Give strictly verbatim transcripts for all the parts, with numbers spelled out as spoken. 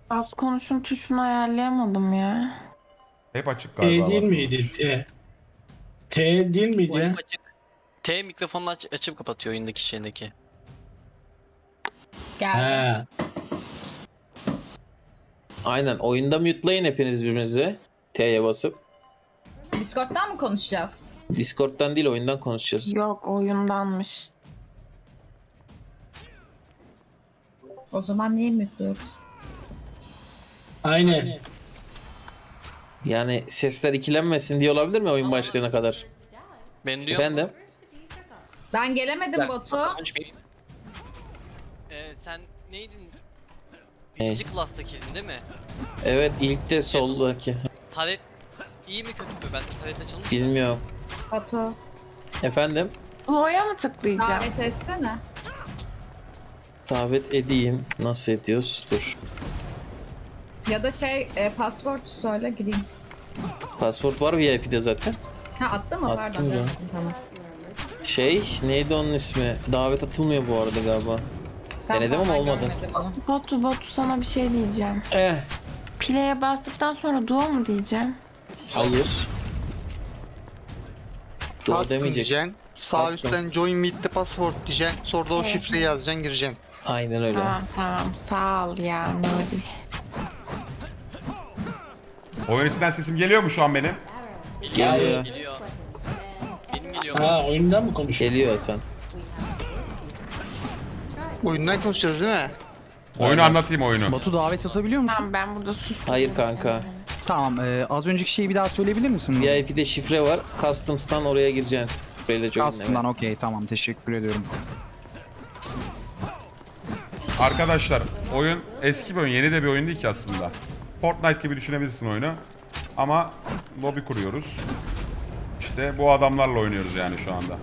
Az konuşun tuşunu ayarlayamadım ya. Hep açık T galiba değil bas miydi? konuş. T. T değil Bu hep miydi? açık. T mikrofonunu aç açıp kapatıyor oyundaki şeyindeki. Geldim. Ha. Aynen. Oyunda mute'layın hepiniz birbirinizi. T'ye basıp. Discord'dan mı konuşacağız? Discord'dan değil oyundan konuşacağız. Yok oyundanmış. O zaman niye mutluyoruz? Aynen. Yani sesler ikilenmesin diye olabilir mi oyun başlayana kadar? Ben diyor. Efendim? Ben gelemedim Batu. Ee, sen neydin? Birinci class'takiydin değil mi? Evet ilk de soldaki. Taret iyi mi kötü mü? Ben taret açalım. Bilmiyorum. Batu. Efendim? Lo'ya mı tıklayacağım? Davet etsene. Davet edeyim. Nasıl ediyoruz? Dur. Ya da şey e, password söyle gireyim. Password var V I P'de zaten. Ha attı mı? Attım Pardon. ya. Yaptım, tamam. Şey neydi onun ismi? Davet atılmıyor bu arada galiba. Ben Denedim ama vallahi olmadı. görmedim onu. Batu Batu sana bir şey diyeceğim. Eh. Play'e bastıktan sonra duo mu diyeceğim? Hayır. Doğru Custom demeyeceksin. diyeceksin. Sağ Custom. üstten join with the password diyeceksin. Sonra da o Evet. şifreyi yazacaksın, gireceksin. Aynen öyle. Tamam tamam sağ ol ya Nuri. Oyun içinden sesim geliyor mu şu an benim? Geliyor. Geliyor. Geliyor. Benim geliyor. Ha oyundan mı konuşuyor? Geliyor Hasan. Oyundan konuşacağız değil mi? Oyunu Aynen. anlatayım oyunu. Batu davet atabiliyor musun? Tamam ben burada sustum. Hayır kanka. Tamam. e, az önceki şeyi bir daha söyleyebilir misin? V I P'de şifre var. Customs'tan oraya gireceksin. Şifreyle join. Aslında okey tamam teşekkür ediyorum. Arkadaşlar oyun eski bir oyun, yeni de bir oyun değil ki aslında. Fortnite gibi düşünebilirsin oyunu. Ama lobi kuruyoruz. İşte bu adamlarla oynuyoruz yani şu anda.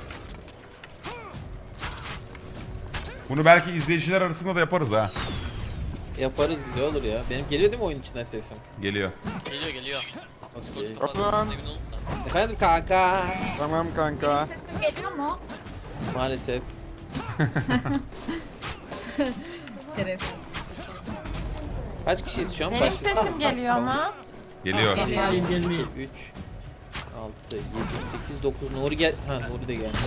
Bunu belki izleyiciler arasında da yaparız ha. Yaparız güzel olur ya. Benim geliyor değil mi oyun içinden sesim? Geliyor. Geliyor geliyor. Okey. Kapatın. Emin olun da. Efendim kanka. Tamam Benim kanka. sesim geliyor mu? Maalesef. Şerefsiz. Kaç kişiyiz şu an? Benim Baş- sesim geliyor ama. Geliyor. Geliyor. Değil değil değil. üç, altı, yedi, sekiz, dokuz. Nuri gel. Ha Nuri de gelmiş.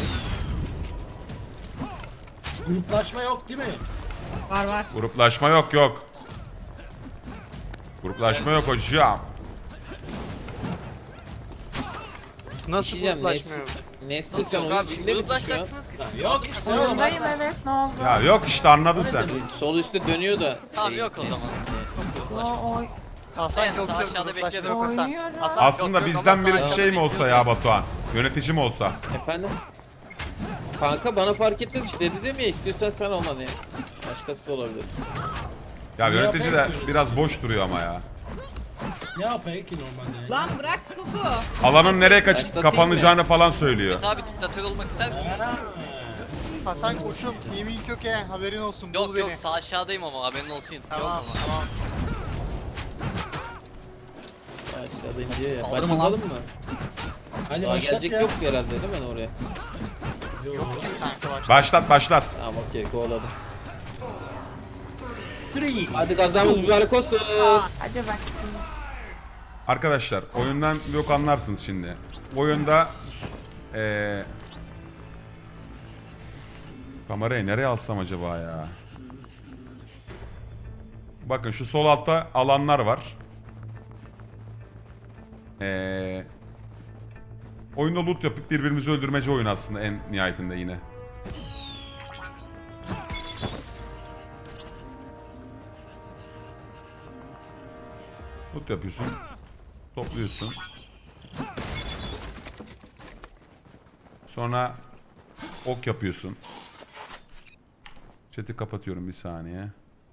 Gruplaşma yok değil mi? Var var. Gruplaşma yok yok. Gruplaşma yok hocam. Nasıl İçeceğim. gruplaşma yok? Nesli Nasıl sen yok oyun abi? içinde misin şu an? Uzlaşacaksınız ki siz. Yok işte oğlum Oyundayım Hasan. evet ne oldu? Ya yok işte anladın sen. Sol üstte dönüyor da. Tamam şey, yok o Nesli. zaman. O, oy, Hasan Evet, yok sağ yok, aşağıda gruplaşma bekledim. yok Hasan. oynuyorum. Hasan Aslında yok, yok, bizden ama birisi sağ şey mi aşağıda olsa ya Batuhan? Yönetici mi olsa? Efendim? Kanka bana fark etmez işte dedim ya istiyorsan sen olma ne? Başkası da olabilir. Ya Ne yönetici de yapayım? biraz boş duruyor ama ya. Ne yapayım ki normalde? Lan bırak Gugu. Alanın nereye kaç Başlatayım kapanacağını falan söylüyor. Abi diktatör olmak ister misin? Ha. Hasan koçum, team'in kök he, haberin olsun, bul Yok beni. yok sağ aşağıdayım ama haberin olsun. Yok Tamam ama. tamam. Aşağıdayım diyor ya. Saldırma Başlayalım lan. mı? Hadi Daha başlat gelecek ya. yok herhalde değil mi oraya? Yok ki kanka başla. Başlat başlat. Tamam okey kovaladım. Three. Hadi kazamız mübarek olsun. hadi bak. Arkadaşlar oyundan yok anlarsınız şimdi. Oyunda eee kamerayı nereye alsam acaba ya? Bakın şu sol altta alanlar var. Eee oyunda loot yapıp birbirimizi öldürmece oyun aslında en nihayetinde yine. Loot yapıyorsun. Topluyorsun. Sonra ok yapıyorsun. Chat'i kapatıyorum bir saniye.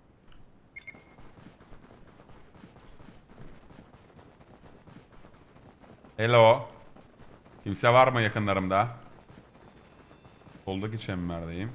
Hello. Kimse var mı yakınlarımda? Soldaki çemberdeyim.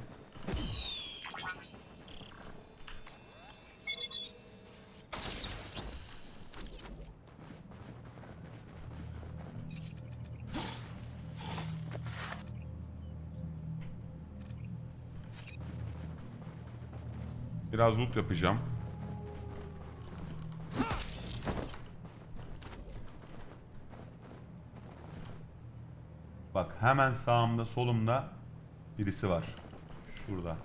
Biraz loot yapacağım. Bak hemen sağımda solumda birisi var. Şurada.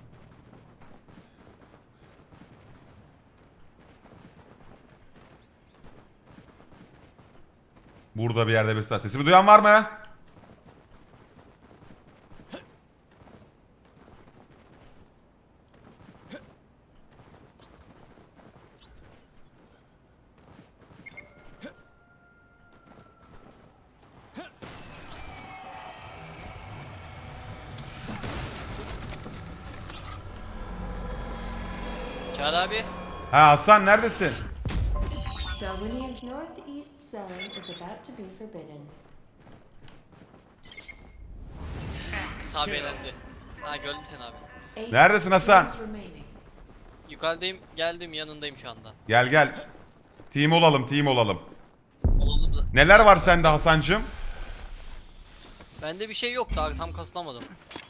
Burada bir yerde birisi var. Sesimi duyan var mı? Çağrı abi. Ha Hasan neredesin? Darwinian's northeast zone is about to be forbidden. Sabi elendi. Ha gördüm seni abi. Eight Neredesin Hasan? players remaining. Yukarıdayım, geldim, yanındayım şu anda. Gel gel. Team olalım, team olalım. Olalım da. Neler var sende Hasancığım? Bende bir şey yok daha tam kasılamadım.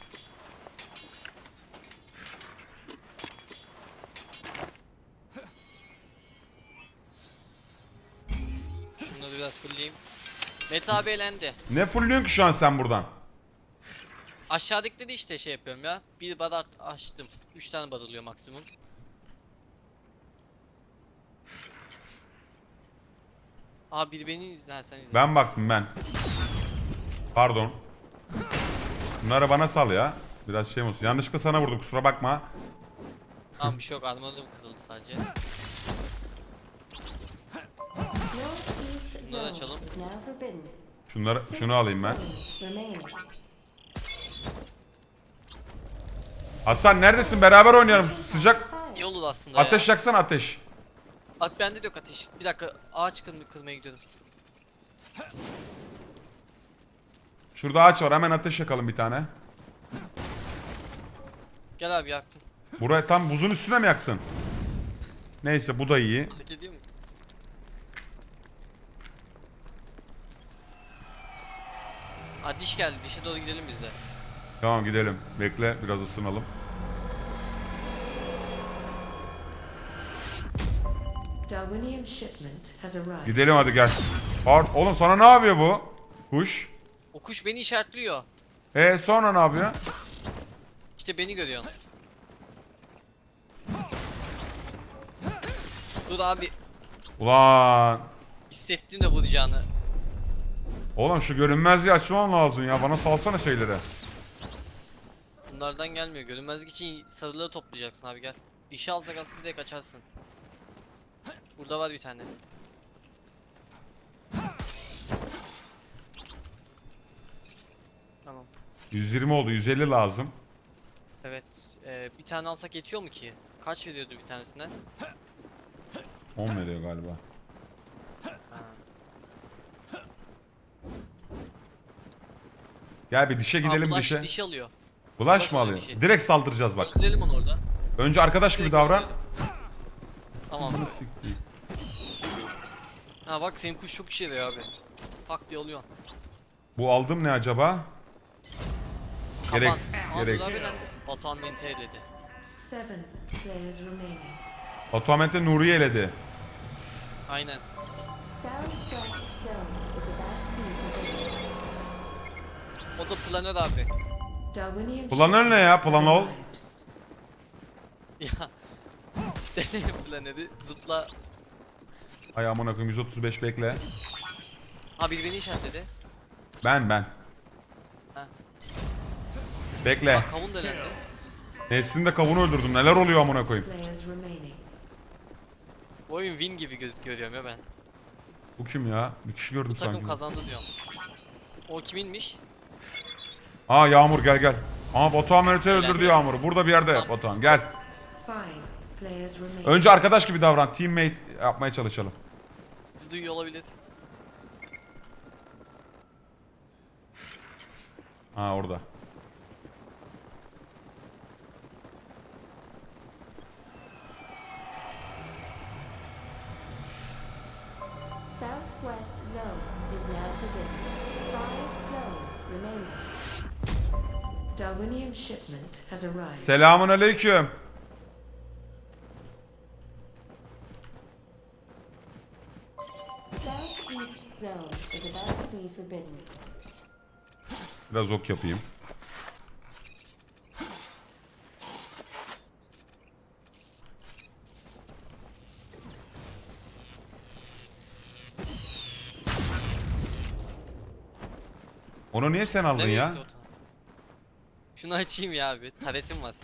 Şunları biraz fulleyeyim. Mete abi elendi. Ne fullüyorsun ki şu an sen buradan? Aşağıdaki de işte şey yapıyorum ya. Bir bar açtım. Üç tane bar oluyor maksimum. Abi biri beni izler sen izle. Ben baktım ben. Pardon. Bunları bana sal ya. Biraz şey olsun. Yanlışlıkla sana vurdum kusura bakma. Tamam bir şey yok, armadum kırıldı sadece. Northeast Bunları zone açalım. is now forbidden. Şunları Six şunu alayım ben. zones remaining. Hasan neredesin? Beraber oynayalım. Sıcak. İyi olur aslında Ateş ya. yaksana ateş. At bende de yok ateş. Bir dakika ağaç kır kırmaya gidiyorum. Şurada ağaç var. Hemen ateş yakalım bir tane. Gel abi yaktım. Buraya tam buzun üstüne mi yaktın? Neyse bu da iyi. Hareket ediyor mu? Aa diş geldi. Dişe doğru gidelim biz de. Tamam gidelim. Bekle biraz ısınalım. Darwinian shipment has arrived. Gidelim hadi gel. Pard oğlum sana ne yapıyor bu? Kuş. O kuş beni işaretliyor. E sonra ne yapıyor? İşte beni görüyorsun. Dur abi. Ulan. Hissettim de vuracağını. Oğlum şu görünmezliği açman lazım ya. Bana salsana şeyleri. Bunlardan gelmiyor. Görünmezlik için sarıları toplayacaksın abi gel. Dişi alsak aslında direkt açarsın. Burada var bir tane. Tamam. yüz yirmi oldu. yüz elli lazım. Evet. Ee, bir tane alsak yetiyor mu ki? Kaç veriyordu bir tanesine? on veriyor galiba. Ha. Gel bir dişe gidelim Aa, bulaş dişe. dişi alıyor. Bulaş Bulaş mı alıyor alıyor? dişi. Direkt saldıracağız bak. Öldürelim onu orada. Önce arkadaş gibi Direkt davran. öldürelim. Tamam. Bunu siktir. Ha bak senin kuş çok işe yarıyor abi. Tak diye oluyor. Bu aldım ne acaba? Kapan. Gereksiz. Aa, Gereksiz. Sıra belendi. Batuhan beni tehledi. Seven players remaining. Batuhamet'e Nuriye eledi. Aynen. Southwest zone is about to be forbidden. O da planör abi. Darwinian Planör ne ya? shipment Planol. has arrived. Ya. Deneyim planörü. Zıpla. Ay amına koyayım yüz otuz beş bekle. Ha biri beni işaretledi. Ben ben. Ha. Bekle. Bak kavun delendi. Neslin de kavunu öldürdüm. Neler oluyor amına koyayım? Players remaining. Bu oyun win gibi göz görüyorum ya ben. Bu kim ya? Bir kişi gördüm Bu takım sanki. kazandı diyorum. O kiminmiş? Aa Yağmur gel gel. Aa Batuhan Mert'i öldürdü Gel. Yağmur'u. Burada bir yerde Tamam. Batuhan gel. Five players remaining. Önce arkadaş gibi davran. Teammate yapmaya çalışalım. Bizi duyuyor olabilir. Ha orada. Southwest zone is now forbidden. Five zones remaining. Darwinian shipment has arrived. Selamun aleyküm. Southeast zone is about to be forbidden. Biraz ok yapayım. Onu niye sen aldın Nereye ya? gitti o tane? Şunu açayım ya abi. Taretim var.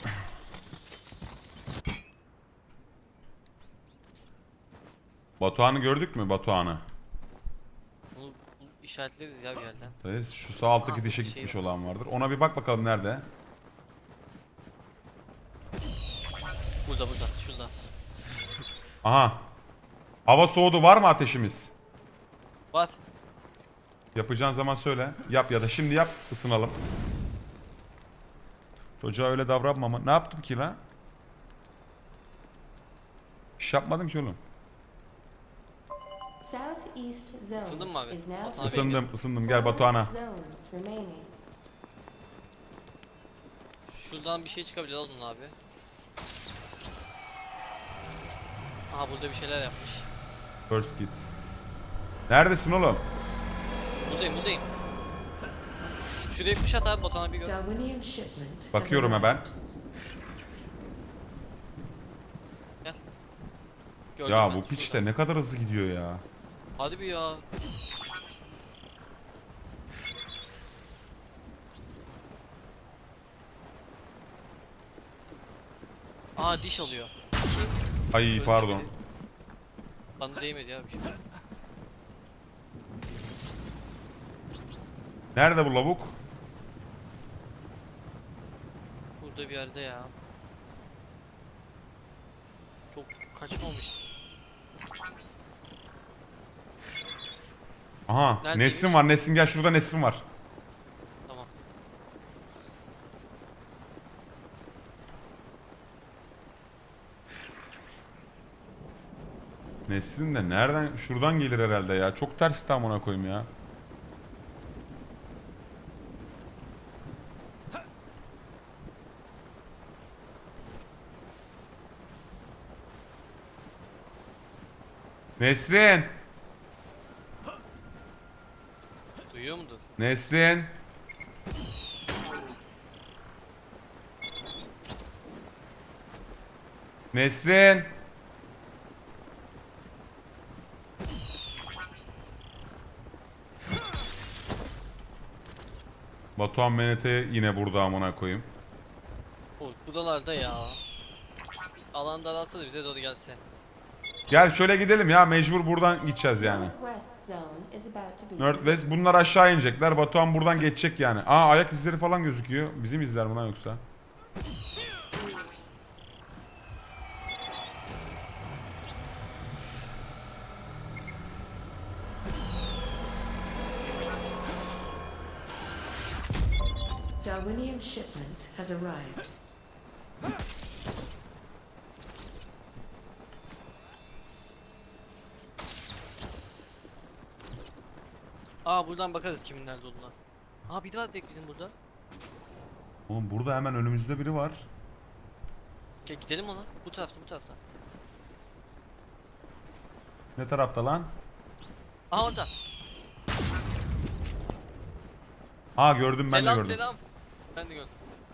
Batuhan'ı gördük mü Batuhan'ı? Bunu, bunu işaretleriz ya bir yerden. Evet, şu sağ alttaki Aa, dişe bir şey gitmiş var. olan vardır. Ona bir bak bakalım nerede? Burada burada. Şurada. Aha. Hava soğudu, var mı ateşimiz? Var. Yapacağın zaman söyle. Yap ya da şimdi yap, ısınalım. Çocuğa öyle davranma ama. Ne yaptım ki lan? İş yapmadım ki oğlum. Southeast zone Isındın mı abi? is now Batuhan abi. Isındım, ısındım. Gel Batuhan'a. zones remaining. Şuradan bir şey çıkabilir oğlum abi. Aha burada bir şeyler yapmış. First git. Neredesin oğlum? Buradayım buradayım. Şuraya kuşat abi Batuhan abi gör. Darwinian shipment has Bakıyorum hemen. arrived. Gel. Gördüm Ya ben, bu piç de şurada. ne kadar hızlı gidiyor ya. Hadi bir ya. Aa diş alıyor. Ay Ölmüş pardon. biri. Bana değmedi ya bir şey. Nerede bu lavuk? Burada bir yerde ya. Çok kaçmamış. Aha, Neredeymiş? Nesrin var. Nesrin gel, şurada Nesrin var. Tamam. Nesrin de nereden? Şuradan gelir herhalde ya. Çok ters tam ona koyayım ya. Nesrin! Duyuyor mudur? Nesrin! Nesrin! Batuhan M N T yine burada amına koyayım. O buralarda ya. Alan daralsa da bize doğru gelse. Gel şöyle gidelim ya, mecbur buradan gideceğiz yani. Northwest zone is about to be Northwest, bunlar aşağı inecekler. Batuhan buradan geçecek yani. Aa, ayak izleri falan gözüküyor. Bizim izler mi lan yoksa? Darwinian shipment has arrived. Aa buradan bakarız kimin nerede olduğuna. Aa bir daha direkt bizim burada. Oğlum burada hemen önümüzde biri var. Gel gidelim ona. Bu tarafta bu tarafta. Ne tarafta lan? Aa orada. Aa gördüm, ben selam de gördüm. selam. Ben de gördüm.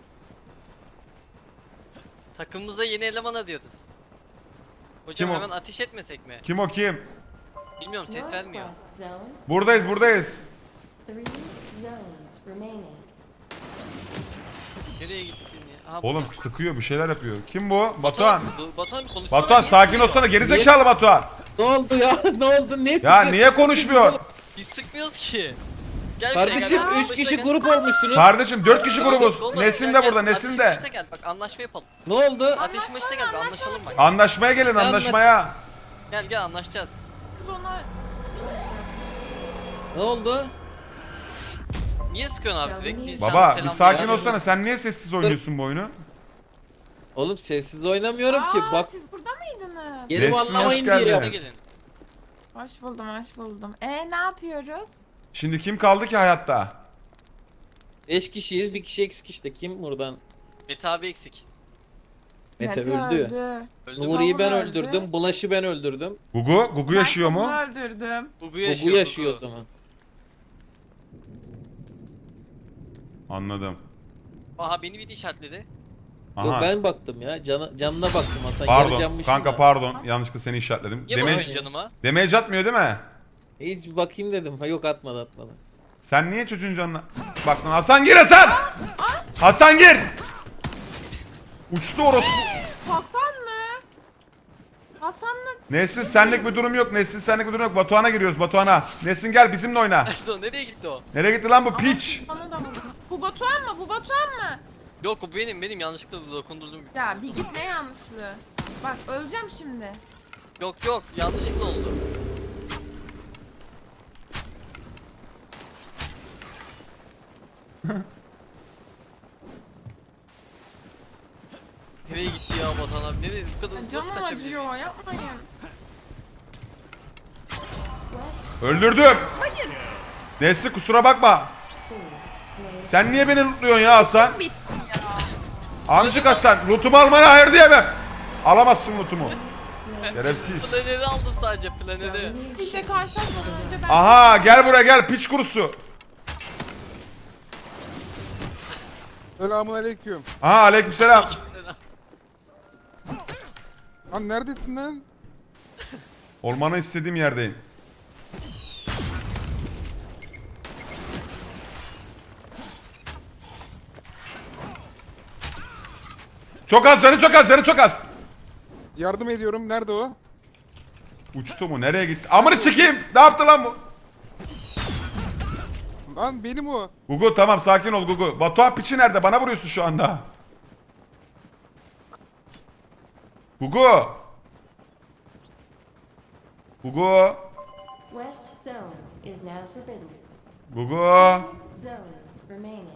Takımımıza yeni eleman arıyoruz. Hocam Kim o? hemen ateş etmesek mi? Kim o kim? Bilmiyorum ses vermiyor. Northwest zone, Buradayız, buradayız. three zones remaining. Nereye gittin ya? Aha, Oğlum burada. sıkıyor, bir şeyler yapıyor. Kim bu? Batuhan. Bu- Batuhan bir konuşsana. Batuhan niye sakin sıkıyor? olsana, gerizekalı Batuhan. Ne oldu ya? Ne oldu? Ne Ya sıkıyorsun? niye konuşmuyor? Biz sıkmıyoruz ki. Gel şuraya, Kardeşim gel, gel, üç başına kişi gel. grup olmuşsunuz. Kardeşim dört kişi grubuz. Oğlum, Nesin gel, de gel. burada, Nesin Ateşin de. başına gel bak anlaşma yapalım. Ne oldu? Ateşin başına gel bir anlaşalım bak. Anlaşmaya gelin, Ben- anlaşmaya. Gel gel anlaşacağız. Kız ona Ne oldu? Niye sıkıyorsun abi direkt? Biz Baba sana bir selam sakin veriyoruz. olsana, sen niye sessiz oynuyorsun bu oyunu? Oğlum sessiz oynamıyorum ki. Aa, Bak siz burada mıydınız? gelip Nesrin, anlamayın hoş geldin. diye. Başına gelin. Hoş buldum, hoş buldum. E ne yapıyoruz? Şimdi kim kaldı ki hayatta? Beş kişiyiz. Bir kişi eksik işte. Kim buradan? Mete abi eksik. Mete Mete öldü. Öldü mü? Nuri'yi ben Öldü. öldürdüm. Bulaş'ı ben öldürdüm. Gugu, Gugu yaşıyor mu? Ben kızını öldürdüm. Gugu Bu yaşıyor. yaşıyor o zaman. Anladım. Aha beni bir de işaretledi. Yok Aha. ben baktım ya. Cana, canına baktım Hasan. Pardon. Yarıcanmışım Kanka da. pardon. Yanlışlıkla seni işaretledim. Niye Deme bakıyorsun canıma? damage atmıyor değil mi? Hiç bir bakayım dedim. Ha yok atmadı atmadı. Sen niye çocuğun canına baktın? Hasan gir Hasan! Hasan gir! Uçtu orası. Hasan mı? Hasan'la Nesin senlik bir durum yok. Nesin senlik bir durum yok. Batuhan'a giriyoruz Batuhan'a. Nesin gel bizimle oyna. Dur, nereye gitti o? Nereye gitti lan bu piç? bana da vurdu. Bu Batuhan mı? Bu Batuhan mı? Yok o benim benim yanlışlıkla dokundurdum. Ya bir git ne yanlışlığı. Bak öleceğim şimdi. Yok yok yanlışlıkla oldu. Nereye gitti ya Batuhan abi? Nereye? Bu kadar hızlı nasıl Canım kaçabilir? acıyor yapmayın. Öldürdüm. Hayır. Nesli kusura bakma. Sen niye beni lootluyorsun ya Hasan? Bitti ya. Amcık Hasan. Lootumu almana hayır diyemem. Alamazsın lootumu. Şerefsiz. Planeri aldım sadece planeri. Bir de karşılaşmadan önce ben... Aha gel buraya gel piç kurusu. Selamun aleyküm. Aha aleykümselam. Selam. Lan neredesin lan? Olmanı istediğim yerdeyim. Çok az canı çok az canı çok az. Yardım ediyorum. Nerede o? Uçtu mu? Nereye gitti? Amını çekeyim. Ne yaptı lan bu? Lan benim o. Gugu tamam sakin ol Gugu. Batuhan piçi nerede? Bana vuruyorsun şu anda. Gugu. Gugu. West zone is now forbidden. Gugu. Zones remaining.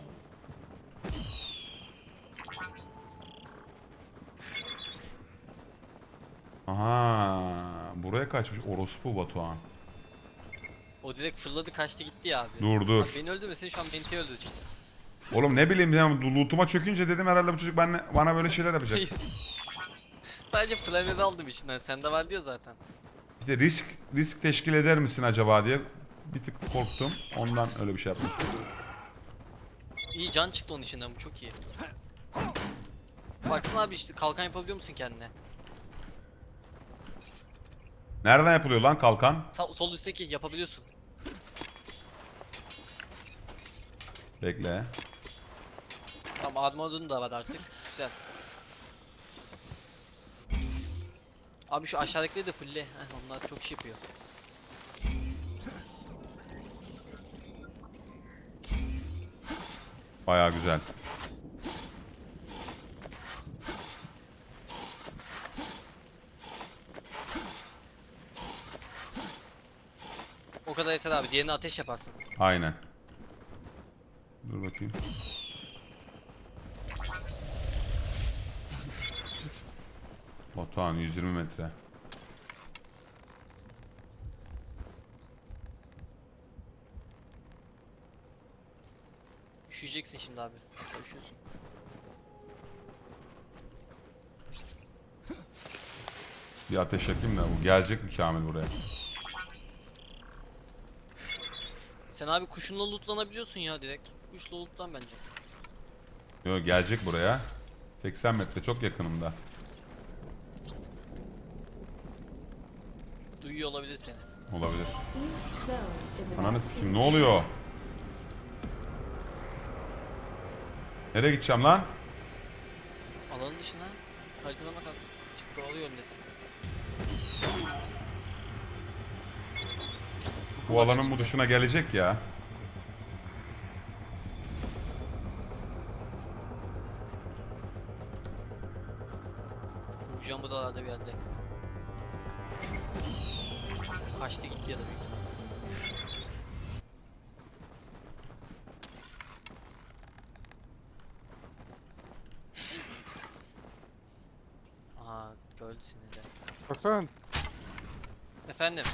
Aha. Buraya kaçmış. Orospu Batuhan. O direkt fırladı kaçtı gitti ya abi. Dur dur. Abi beni öldürmesin şu an Benti'yi öldürecek. Oğlum ne bileyim ya lootuma çökünce dedim herhalde bu çocuk benle, bana böyle şeyler yapacak. Sadece planeri aldım içinden. Sende var diyor zaten. İşte risk risk teşkil eder misin acaba diye bir tık korktum. Ondan öyle bir şey yaptım. İyi can çıktı onun içinden bu çok iyi. Baksana abi işte kalkan yapabiliyor musun kendine? Nereden yapılıyor lan kalkan? Sa- sol üstteki yapabiliyorsun. Bekle. Tamam armorun da var artık. Güzel. Abi şu aşağıdakileri de fullle. Heh, onlar çok iş yapıyor. Baya güzel. O kadar yeter abi. Diğerini ateş yaparsın. Aynen. Dur bakayım. Batuhan yüz yirmi metre. Üşüyeceksin şimdi abi. Hatta üşüyorsun. Bir ateş yakayım da bu gelecek mi Kamil buraya? Sen abi kuşunla lootlanabiliyorsun ya direkt. Kuşla lootlan bence. Yok gelecek buraya. seksen metre çok yakınımda. Duyuyor olabilir seni. Olabilir. East zone is about Ananı to sikeyim be ne oluyor? Nereye gideceğim lan? Alanın dışına. Haritana bak abi. Çık doğru yöndesin. Bu alanın bu dışına gelecek ya. Ucam bu dağlarda bir yerde. Kaçtı gitti ya da büyük ihtimalle. Aha gördü seni de. Hasan. Efendim.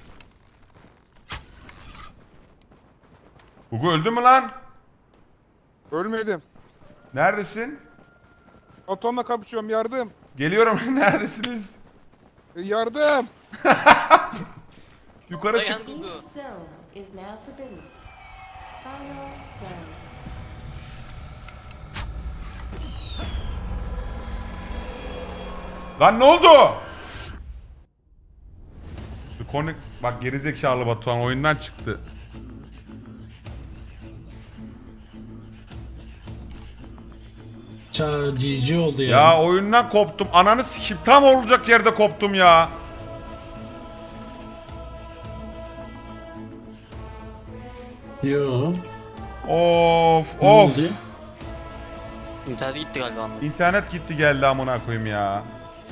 Gugu öldü mü lan? Ölmedim. Neredesin? Atomla kapışıyorum. Yardım. Geliyorum. Neredesiniz? E, yardım. Yukarı çık. Dayan Gugu. East zone is now forbidden. Final zone. Lan ne oldu? Konu bak gerizekalı Batuhan oyundan çıktı. Ça G G oldu ya. Ya oyundan koptum. Ananı sikeyim. Tam olacak yerde koptum ya. Yo. Of Ne of. oldu? İnternet gitti galiba anladım. İnternet gitti geldi amına koyayım ya.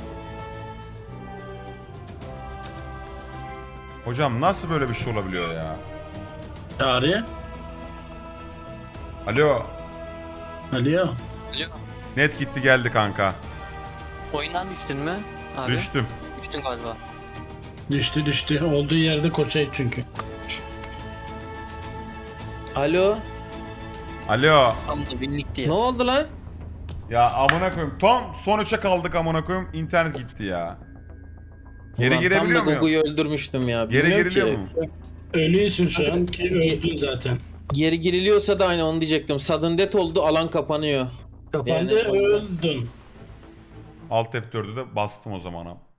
Hocam nasıl böyle bir şey olabiliyor ya? Çağrı. Alo. Alo. Alo. Net gitti geldi kanka. Oyundan düştün mü? Abi. Düştüm. Düştün galiba. Düştü düştü. Olduğu yerde koşayım çünkü. Alo. Alo. Tam da binlik diye. Ne oldu lan? Ya amına koyayım. Tam son üçe kaldık amına koyayım. İnternet gitti ya. Geri Ulan girebiliyor Tam da muyum? Google'yu öldürmüştüm ya. Geri Bilmiyorum giriliyor ki. mu? Ölüysün şu an ki öldün zaten. Geri giriliyorsa da aynı onu diyecektim. Sudden death oldu, alan kapanıyor. Kapandı Yani o yüzden- öldün. Alt F dördü de bastım o zaman.